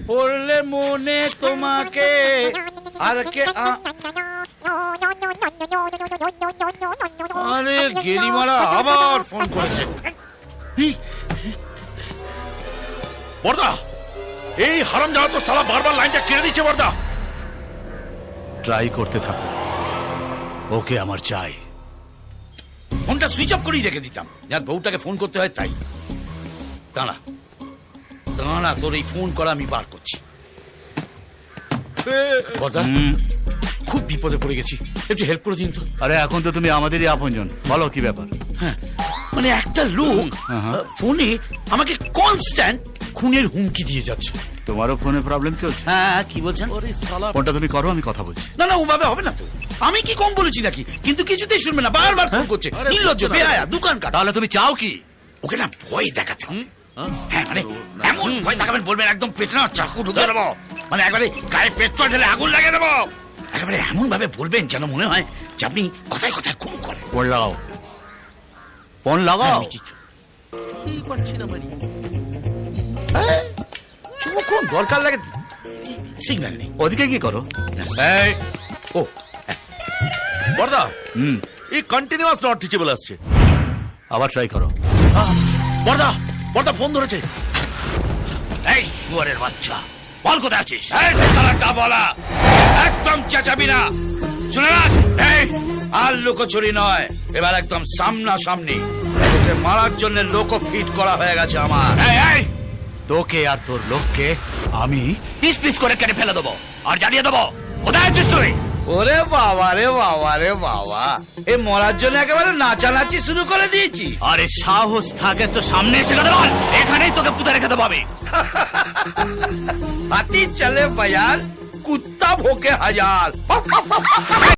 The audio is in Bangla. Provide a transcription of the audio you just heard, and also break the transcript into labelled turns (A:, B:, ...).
A: পড়লে মনে তোমাকে আর কে আরে গেরিমারা আবার ফোন করেছে।
B: বর্দা, এই হারামজাদা তো সালা বারবার লাইনটা কেড়ে দিচ্ছে। বর্দা,
A: ট্রাই করতে থাকো, ওকে আমার চাই।
C: ফোনটা সুইচ অফ করেই রেখে দিতাম, যার বউটাকে ফোন করতে হয় তাই। দাঁড়া দাঁড়া, তোর এই ফোন করা আমি বার করছি। বর্দা, খুব বিপদে পড়ে গেছি, একটু হেল্প করে দিন তো।
A: আরে এখন তো তুমি আমাদেরই আপনজন, বলো কি ব্যাপার?
C: হ্যাঁ, মানে একটা লোক ফোনে আমাকে কনস্ট্যান্ট খুনের হুমকি দিয়ে যাচ্ছে।
A: তোমারও ফোনে প্রবলেম চলছে?
C: হ্যাঁ, কি বলছেন?
A: ফোনটা তুমি করো, আমি কথা বলছি।
C: না না, ওভাবে হবে না তো। আমি কি কম বলেছি নাকি? কিন্তু কিছুতেই শুনবে না, বারবার ফোন করছে। নির্লজ্জ, বেহায়া, দোকান কাটা।
A: তাহলে তুমি চাও কি?
C: ওকে না ভয় দেখাতে হবে। হ্যাঁ, মানে এমন ভয় দেখাবেন, বলবেন একদম পেটে না চাকু ঢুকে দেবো, মানে একবারে গায়ে পেট্রোল ঢেলে আগুন লাগিয়ে দেবো। একেবারে এমন ভাবে বলবেন যেন মনে হয় যে আপনি কথায় কথায় খুন করেন।
A: ফোন লাগাও, ফোন লাগাও।
C: যখন দরকার লাগে সিগন্যাল নেই।
A: ওদিকে কি করো?
B: এই
C: ও
B: বর্দা,
A: হুম,
B: এই কন্টিনিউয়াস নট টিচেবল আসছে।
A: আবার ট্রাই করো।
B: বর্দা, বর্দা ফোন ধরেছে।
C: এই শুয়ারের বাচ্চা, বল কোথায় আছিস? এই শালাটা বলা, একদম চেঁচাবি না, শুনে রাখ। এই আর লোকচুরি নয়, এবার একদম সামনাসামনি। তোকে মারার জন্য লোক ফিট করা হয়ে গেছে আমার। এই এই,
A: তোকে আর তোর লোককে আমি পিস পিস করে কেটে ফেলে দেবো আর জানিয়ে দেবো কোথায় আছিস তুই।
C: ওরে বাবা রে বাবা রে বাবা, এ মরার জন্য একেবারে নাচানাচি শুরু করে দিয়েছি।
A: আরে সাহস থাকে তো সামনে এসে কথা বল, এখানেই তোকে পুঁতে রেখে দেবো আমি।
C: হাতি চলে বাজার, কুত্তা ভোকে হাজার।